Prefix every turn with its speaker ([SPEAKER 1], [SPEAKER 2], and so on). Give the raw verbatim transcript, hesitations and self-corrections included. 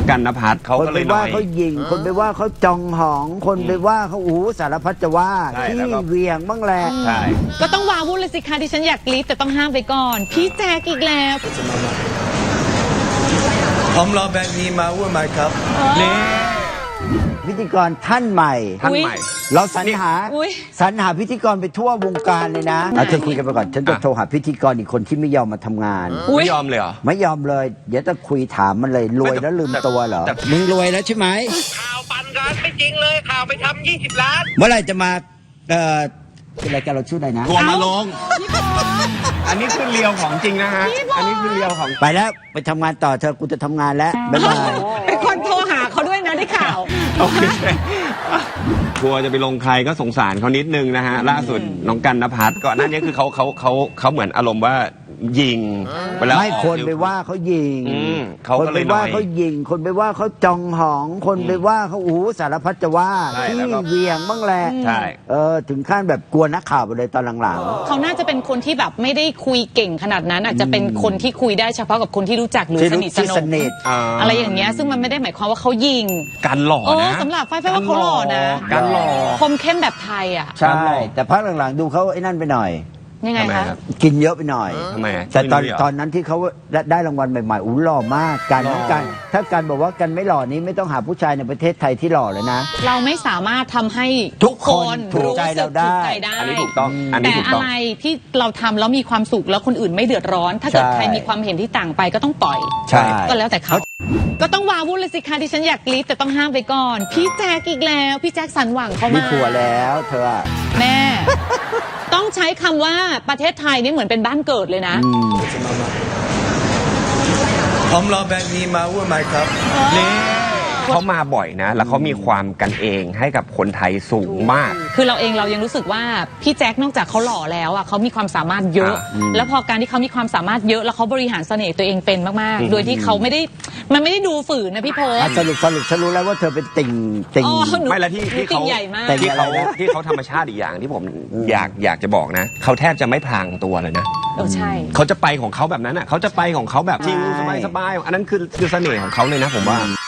[SPEAKER 1] องกันณภัทรเขาก็เลยน้อย
[SPEAKER 2] คนไปว่าเขายิงคนไปว่าเขาจองหองคนไปว่าเขาอู้สารพัดจะว่าที่เวียงบ้างแหละ
[SPEAKER 1] ใช่
[SPEAKER 3] ก็ต้องวาวุ่นเลยสิคะที่ฉันอยากกรี๊ดแต่ต้องห้ามไปก่อนพี่แจ๊กอีกแล้ว
[SPEAKER 4] ผมรอแบบนี้มาวุ่นไหมครับ
[SPEAKER 1] นี่
[SPEAKER 2] พิธีกรท่านใหม่
[SPEAKER 1] ท่านใหม่
[SPEAKER 2] เราสรรหา
[SPEAKER 3] อุ๊ย
[SPEAKER 2] สรรหาพิธีกรไปทั่ววงการเลยนะเอาเธอคุยกันไปก่อนฉันจะโทรหาพิธีกรอีกคนที่ไม่ยอมมาทำงาน
[SPEAKER 1] ไม่ยอมเลยเหรอ
[SPEAKER 2] ไม่ยอมเลยเดี๋ยวจะคุยถามมันเลยรวยแล้วลืมตัวเหรอมึงรวยแล้วใช่ไหม
[SPEAKER 5] ข่าวปั่นกันไม่จริงเลยข่าวไปทำยี่สิบล้าน
[SPEAKER 2] เมื่อไหร่จะมาเอ่อเป็นรายการเราชื่ออะไรนะ
[SPEAKER 1] ทัวร์มาลงอันนี้คือเรียวของจริงนะฮะอันนี้คือเรียวของ
[SPEAKER 2] ไปแล้วไปทำงานต่อเธอกูจะทำงานแล้วบ๊ายบาย
[SPEAKER 3] เป็นคนโทรหาเขาด้วยนะได้ข่าว
[SPEAKER 1] โอเคทัวร์จะไปลงใครก็สงสารเขานิดนึงนะฮะล่าสุดน้องกันณภัทรก่อนหน้านี้คือเขาเขาเขาเขาเหมือนอารมณ์ว่ายิง
[SPEAKER 2] ไม่คนไปว่าเขายิงคนไปว่าเขายิงคนไปว่าเขาจองหองคนไปว่าเขาอู้สารพัดจะว่าที่เวียงบ้างแหละ
[SPEAKER 1] ใช่
[SPEAKER 2] เออถึงขั้นแบบกลัวนักข่าวไปเลยตอนหลัง
[SPEAKER 3] ๆเขาน่าจะเป็นคนที่แบบไม่ได้คุยเก่งขนาดนั้นอาจจะเป็นคนที่คุยได้เฉพาะกับคนที่รู้จักหรือสนิทสนมอะไรอย่างเงี้ยซึ่งมันไม่ได้หมายความว่าเขายิง
[SPEAKER 1] การหล่อนะ
[SPEAKER 3] สำหรับไฟไฟว่าเขาหล่อนะ
[SPEAKER 1] การหล่อ
[SPEAKER 3] คมเข้มแบบไทยอ่ะ
[SPEAKER 2] ใช่แต่พักหลังๆดูเขาไอ้นั่นไปหน่อย
[SPEAKER 3] ยังไงคะ
[SPEAKER 2] กินเยอะไปหน่อย
[SPEAKER 1] ทำไม
[SPEAKER 2] แต่ตอนตอนนั้นที่เขาได้รางวัลใหม่ๆอู้หล่อมากการการถ้าการบอกว่ากันไม่หล่อนี้ไม่ต้องหาผู้ชายในประเทศไทยที่หล่อเลยนะ
[SPEAKER 3] เราไม่สามารถทำให้
[SPEAKER 2] ทุกคนถูกใจเราได้
[SPEAKER 1] อันนี้ถูกต้อง
[SPEAKER 3] แต่อะไรที่เราทำแล้วมีความสุขแล้วคนอื่นไม่เดือดร้อนถ้าเกิดใครมีความเห็นที่ต่างไปก็ต้องปล่อยก็แล้วแต่เขาก็ต้องวาวุ่นเลยสิคะที่ฉันอยากกรี๊ดแต่ต้องห้ามไปก่อนพี่แจ๊กอีกแล้วพี่แจ๊กสันหวังเขามา
[SPEAKER 2] มีผัวแล้วเธอ
[SPEAKER 3] แม่ต้องใช้คำว่าประเทศไทยนี่เหมือนเป็นบ้านเกิดเลยนะ
[SPEAKER 4] ผมรอแบบนี้มาวุ่นไหมครับ
[SPEAKER 1] นี่เขามาบ่อยนะแล้วเขามีความกันเองให้กับคนไทยสูงมาก
[SPEAKER 3] คือเราเองเรายังรู้สึกว่าพี่แจ๊คนอกจากเขาหล่อแล้วอ่ะเขามีความสามารถเยอะ แล้วพอการที่เขามีความสามารถเยอะแล้วเขาบริหารเสน่ห์ตัวเองเป็นมากๆโดยที่เขาไม่ได้มันไม่ได้ดูฝืนนะพี่โพส
[SPEAKER 2] สรุปสรุปฉันรู้แล้วว่าเธอเป็นติ่งติ่ง
[SPEAKER 1] ไม่ละที่ที่เขาที่เขาที่เขาธรรมชาติอีกอย่างที่ผมอยากอยากจะบอกนะเขาแทบจะไม่พลางตัวเลยนะ
[SPEAKER 3] เออใช่
[SPEAKER 1] เขาจะไปของเขาแบบนั้นอ่ะเขาจะไปของเขาแบบจริงสบายสบายอันนั้นคือคือเสน่ห์ของเขาเลยนะผมว่า